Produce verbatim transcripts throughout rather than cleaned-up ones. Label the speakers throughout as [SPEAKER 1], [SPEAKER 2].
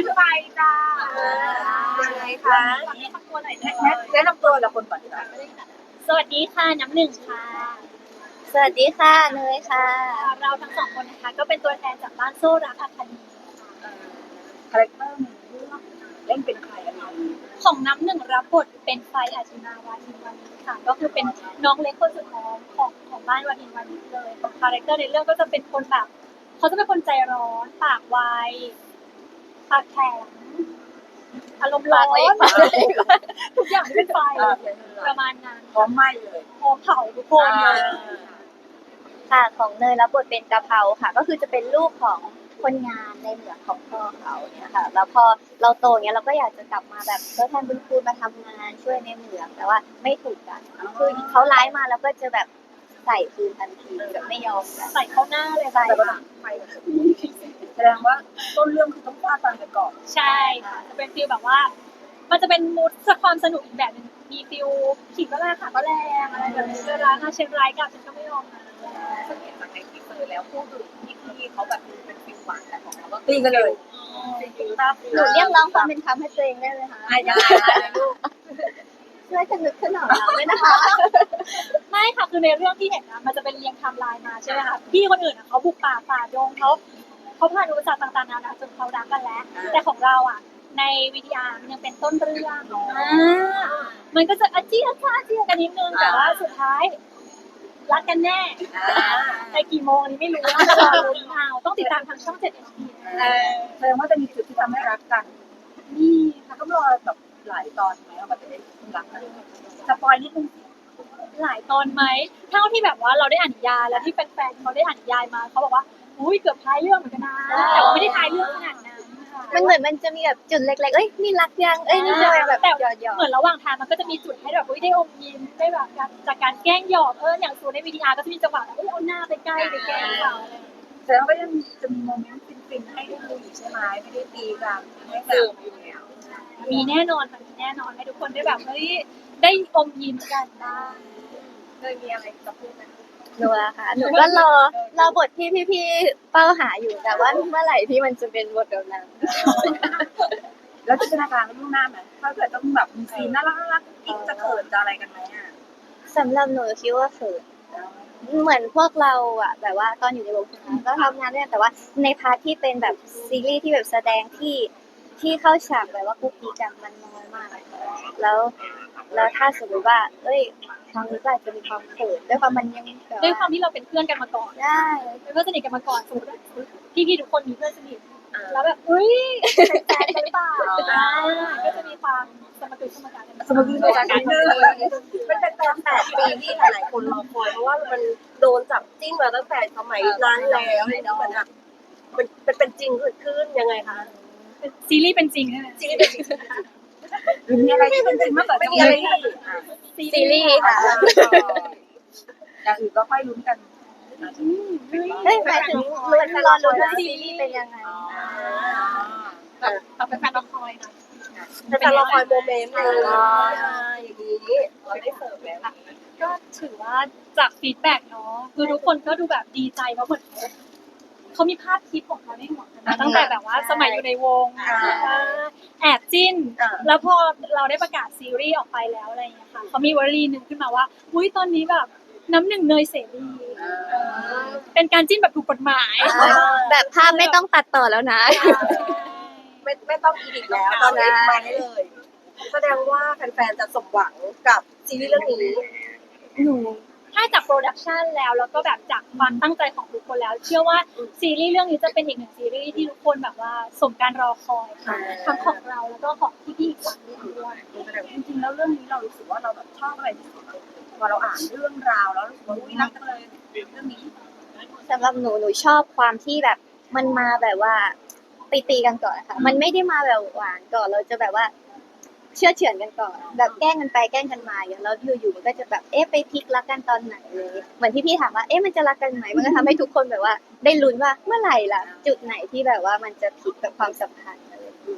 [SPEAKER 1] ไปจ้า
[SPEAKER 2] ยังไงคะ
[SPEAKER 1] แนะนำตัวหน่อยนะ
[SPEAKER 2] แนะนำตัวกับคนก่อนดีกว่า
[SPEAKER 1] สวัสดีค่ะน้ำหนึ่งค่ะ
[SPEAKER 3] สวัสดีค่ะเนยค่ะ
[SPEAKER 1] เราทั้งสองคนนะคะก็เป็นตัวแทนจากบ้านโซ่รักอะคาเดมี
[SPEAKER 2] คาแรคเตอร์ในเรื่องเล่นเป็นใครอะไร
[SPEAKER 1] ของน้ำหนึ่งรับบทเป็นไฟอาชินาวาทินวานิชค่ะก็คือเป็นน้องเล็กคนสุดท้องของของบ้านวาทินวานิชเลยคาแรคเตอร์ในเรื่องก็จะเป็นคนแบบเขาจะเป็นคนใจร้อนปากไวปากแข็งอารมณ์ร้อนทุกอย่างที่เป็นไฟประมาณนั้น
[SPEAKER 2] พร้อมไหมเลย
[SPEAKER 1] พอเผาทุกคนเลย
[SPEAKER 3] ค่ะของเนยรับบทเป็นกะเพราค่ะ ก็คือจะเป็นลูกของคนงานในเหมืองของพ่อเขาเนี่ยค่ะ แล้วพอเราโตเนี้ยเราก็อยากจะกลับมาแบบทดแทนบุญคุณมาทำงานช่วยในเหมืองแต่ว่าไม่ถูกกันคือเขาร้ายมาแล้วก็จะแบบใส่คืนทันทีแบบไม่ยอมกัน
[SPEAKER 1] ใส่เข้าหน้าเลย
[SPEAKER 3] ใส่
[SPEAKER 2] แต่ว่า
[SPEAKER 3] ค่ะ
[SPEAKER 2] ไปแสดงว่าต้นเรื่องคือต้องฟาดฟันกันก่อน
[SPEAKER 1] ใช่ค่ะจะเป็นฟีลแบบว่า มันจะเป็นมูดความสนุกอีกแบบหนึงมีฟีลขิงก็แรงค่ะก็แรงอะไรแบบนี้เวลาถ้าเชียงรายกับฉันก็ไม่ยอมนะ
[SPEAKER 2] สังเกตจากในทีเซอร์แล้วพูดถึงที่พี่เขาแบบเป็นฟิลหวานแต่ของเราก็ตีกันเลย
[SPEAKER 3] หนูเรียกร้องความเป็นธรรมให้ตัวเองได้เลยค่ะ
[SPEAKER 2] อ่ะยังไงอะไรลูก
[SPEAKER 3] ช่วยกันนึกขึ้นหน่อยนะไม่นะคะ
[SPEAKER 1] ไม่ค่ะคือในเรื่องที่เห็นนะมันจะเป็นเรียงไทม์ไลน์มาใช่ไหมคะพี่คนอื่นอะเขาบุกป่าฝ่าดงเขาเขาผ่านอุปสรรคต่างๆนานาจนเขารักกันแล้ว แต่ของเราอ่ะ ในวิทยามันยังเป็นต้นเรื่องอ่ามันก็จะอาเจียจ้าเจียกันนิดนึงแต่ว่าสุดท้าย รักกันแน่ในกี่โมงนี้ไม่รู้นะรอลุ้นเอาต้องติดตามทางช่องเจ็ดเอ็มพี
[SPEAKER 2] เออแสดงว่าจะมีจุดที่ทำให้รักกัน
[SPEAKER 1] นี่
[SPEAKER 2] ถ้าต้องรอแบบหลายตอนไหมว่าแบบจะได้รักกันสปอยนิดนึง
[SPEAKER 1] หลายตอนไหมเท่าที่แบบว่าเราได้อ่านนิยายแล้วที่แฟนๆเขาได้อ่านนิยายมาเขาบอกว่าอุ้ยเกือบท้ายเรื่องเหมือนกันนะแต่ว่าไม่ได้ท้ายเรื่องขนาดนั้นค่ะ
[SPEAKER 3] มันเหมือนมันจะมีแบบจุดเล็กๆเอ้ยนี่รักยังเอ้ยนี่จะแบบ
[SPEAKER 1] แต่
[SPEAKER 3] หยอดหยอด
[SPEAKER 1] เหมือนระหว่างทางมันก็จะมีจุดให้แบบอุ้ยได้อมยิ้มได้แบบการจากการแกล้งหยอกเอออย่างส่วนในวิดีอาร์ก็จะมีจังหวะแบบเอ้ยเอาหน้าไปใกล้ไปแกล้งเขาอะไรอย่างเงี้ย
[SPEAKER 2] แสดงว่าก็ยังจะมีโมเมนต์ฟินๆให้ได้ดูอีกใช่ไหมไม่ได้ตีกันให้แบบอยู่แล้ว
[SPEAKER 1] มีแน่นอนค่ะมีแน่นอนให้ทุกคนได้แบบเฮ้ยได้อมยิ้มกันบ้าง
[SPEAKER 2] เคยมีอะไรจะพูดไหม
[SPEAKER 3] หนูละค่ะหนูก็รอรอบทที่พี่ๆเป้าหาอยู่แต่ว่าเมื่อไหร่ที่มันจะเป็นบทแบบนั้น
[SPEAKER 2] แล้วจินตนาการไว้ล่วงหน้าไหมถ้าเกิดต้องแบบมีซีนน่ารักน่ารักกิ๊กจะเขินจะอะไรกันไหมอ่ะ
[SPEAKER 3] สำหรับหนูคิดว่าเขินเหมือนพวกเราอะแบบว่าตอนอยู่ในวงการก็ทำงานด้วยกันแต่ว่าในพาร์ทที่เป็นแบบซีรีส์ที่แบบแสดงที่ที่เข้าฉากแบบว่าคุกกี้กันมันน้อยมาก แล้วแล้วถ้าสมมติว่าเอ้ยครั้งนี้ก็อาจจะมีความเขินด้วยความมันยังแบบ
[SPEAKER 1] ด้วยความที่เราเป็นเพื่อนกันมาก่อน
[SPEAKER 3] ได้
[SPEAKER 1] เป็นเพื่อนสนิทกันมาก่อนสมมติว่าพี่ๆทุกคนมีเพื่อนสนิทแล้วแบบเฮ้ยเป็นแฟนกันหรือเปล่าอ่าก็จะมีความสมดุลสมการกัน
[SPEAKER 2] สมมติในการนึง
[SPEAKER 4] มันเป็นตอนแปดปีที่หลายๆคนรอคอยเพราะว่ามันโดนจับจิ้นมาตั้งแต่สมัยนั้นแล้วเหมือนแบบมันมันเป็นจริงเกิดขึ้นยังไงคะ
[SPEAKER 1] ซีรีส์เป็นจริงใช่ไหม
[SPEAKER 4] จริงเป็นจริง
[SPEAKER 2] หรือมีอะไรที่เป็นจริงมากกว่า
[SPEAKER 4] ไม่มีอะไรที่
[SPEAKER 3] ซีรีส์ค่ะ
[SPEAKER 2] อย่างอื่นก็ค่อยลุ้นกัน
[SPEAKER 3] เฮ้ยหมายถึงลุ้นรอลุ้นว่าซีรีส์เป็นยังไง
[SPEAKER 1] แบบแบบเป็นแฟนละครนะ
[SPEAKER 4] เป็นการรอคอยโมเมนต์เลยอย่างนี้เราได้เสิร์ฟแล้ว
[SPEAKER 1] ก็ถือว่าจากฟีดแบ็กเนาะคือทุกคนก็ดูแบบดีใจเพราะเหมือนเขาเขามีภาพคลิปของเขาในหัวกันนะตั้งแต่แบบว่าสมัยอยู่ในวงแอบจิ้น แล้วพอเราได้ประกาศซีรีส์ออกไปแล้วอะไรอย่างเงี้ยค่ะเขามีวลีหนึ่งขึ้นมาว่าอุ้ยตอนนี้แบบน้ำหนึ่งเนยเสรีเป็นการจิ้นแบบถูกกฎหมาย
[SPEAKER 3] แบบภาพไม่ต้องตัดต่อแล้วนะ
[SPEAKER 4] ไม่ไม่ต้องอีดิทแล้วตอนนี้มาได้เลย แสดงว่าแฟนๆจะสมหวังกับซีรีส์เรื่องนี้
[SPEAKER 3] หนู
[SPEAKER 1] ถ้าจากโปรดักชันแล้วแล้วก็แบบจากความตั้งใจของทุกคนแล้ว เชื่อว่าซีรีส์เรื่องนี้จะเป็นอีกหนึ่งซีรีส์ที่ทุกคนแบบว่าสมการรอคอยค่ะทั้งของเราแล้วก็ของพี่ๆอีกฝั่งหนึ่งด้วย
[SPEAKER 2] แต่จริงๆแล้วเรื่องนี้เรารู้สึกว่าเราแบบชอบอะไรที่สุดพอเราอ่านเรื่องราวแล้วรู้สึกว่าอุ้ยรักจังเลยเรื่องนี้
[SPEAKER 3] สำหรับหนูหนูชอบความที่แบบมันมาแบบว่าตีตีกันก่อนค่ะมันไม่ได้มาแบบหวานก่อนเราจะแบบว่าเชื่อเฉือนกันก่อนแบบแกล้งกันไปแกล้งกันมาอย่างแล้วอยู่ๆมันก็จะแบบเอ๊ะไปพลิกรักกันตอนไหนเลยเหมือนที่พี่ถามว่าเอ๊ะมันจะรักกันไหมมันก็ทำให้ทุกคนแบบว่าได้ลุ้นว่าเมื่อไหร่ล่ะจุดไหนที่แบบว่ามันจะพลิกแบบความสัมพันธ์อะไรอย่างเงี้ย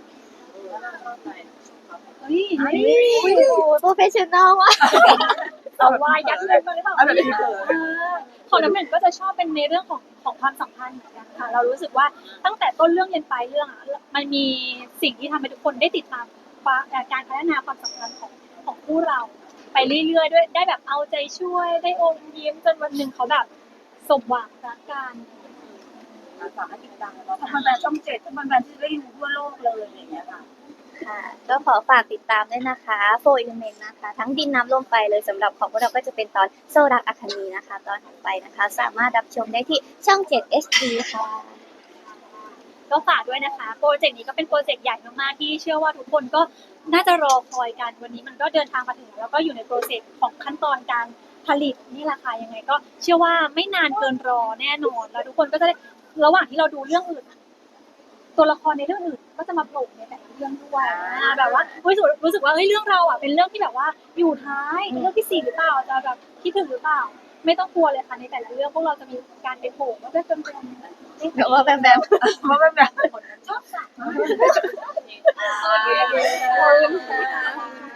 [SPEAKER 1] เฮ้ย
[SPEAKER 3] โอ้โหโปรเฟชชั่นอลว่ะ
[SPEAKER 1] เอาวายยัดเลยมาหรือเปล่า
[SPEAKER 2] เอาแบบนี้เลย
[SPEAKER 1] เออของน้ำหนึ่งก็จะชอบเป็นในเรื่องของของความสัมพันธ์เหมือนกันค่ะเรารู้สึกว่าตั้งแต่ต้นเรื่องยันปลายเรื่องอ่ะมันมีสิ่งที่ทำให้ทุกคนได้ติดตามการพัฒนาความสัมพันธ์ของของคู่เรา ไปเรื่อยๆด้วยได้แบบเอาใจช่วยได้อมยิ้มจนวันหนึ่งเขาแบบสมหวังรักกัน
[SPEAKER 2] ฝากให้ติดตามเนาะทำแบรนด์ช่องเจ็ดทำแบรนด์ที่ได้ดูทั่วโลกเลยอย่างเงี้ยค่ะ
[SPEAKER 3] ค่ะก็ขอฝากติดตามด้วยนะคะโฟร์อิเลเมนต์นะคะ ทั้งดินน้ำลมไฟเลยสำหรับของพวกเราก็จะเป็นตอนโซรักอัคนีนะคะ ตอนถัดไปนะคะ สามารถรับชมได้ที่ช่องเจ็ด เอช ดี ค่ะ
[SPEAKER 1] ก็ฝากด้วยนะคะโปรเจกต์นี้ก็เป็นโปรเจกต์ใหญ่มากๆที่เชื่อว่าทุกคนก็น่าจะรอคอยกันวันนี้มันก็เดินทางมาถึงแล้วก็อยู่ในโปรเซสของขั้นตอนการผลิตนี่แหละค่ะยังไงก็เชื่อว่าไม่นานเกินรอแน่นอนแล้วทุกคนก็จะได้ระหว่างที่เราดูเรื่องอื่น ตัวละครในเรื่องอื่นก็จะมาโผล่ในแต่ละเรื่องด้วยอ่าแบบว่ารู้สึกรู้สึกว่าเฮ้ยเรื่องเราอ่ะเป็นเรื่องที่แบบว่าอยู่ท้ายเรื่องที่สี่หรือเปล่าจะแบบคิดถึงหรือเปล่า ไม่ต้องกลัวเลยค่ะในแต่ละเรื่องพวกเราจะมีการไปโผล่ว่าเป็นเป็นเป็น
[SPEAKER 3] เดี๋ยวว่าแบบแบบ
[SPEAKER 2] ว่าแบบแบบ
[SPEAKER 1] ชอบสัตว์
[SPEAKER 2] โอเคขอบคุณค่ะ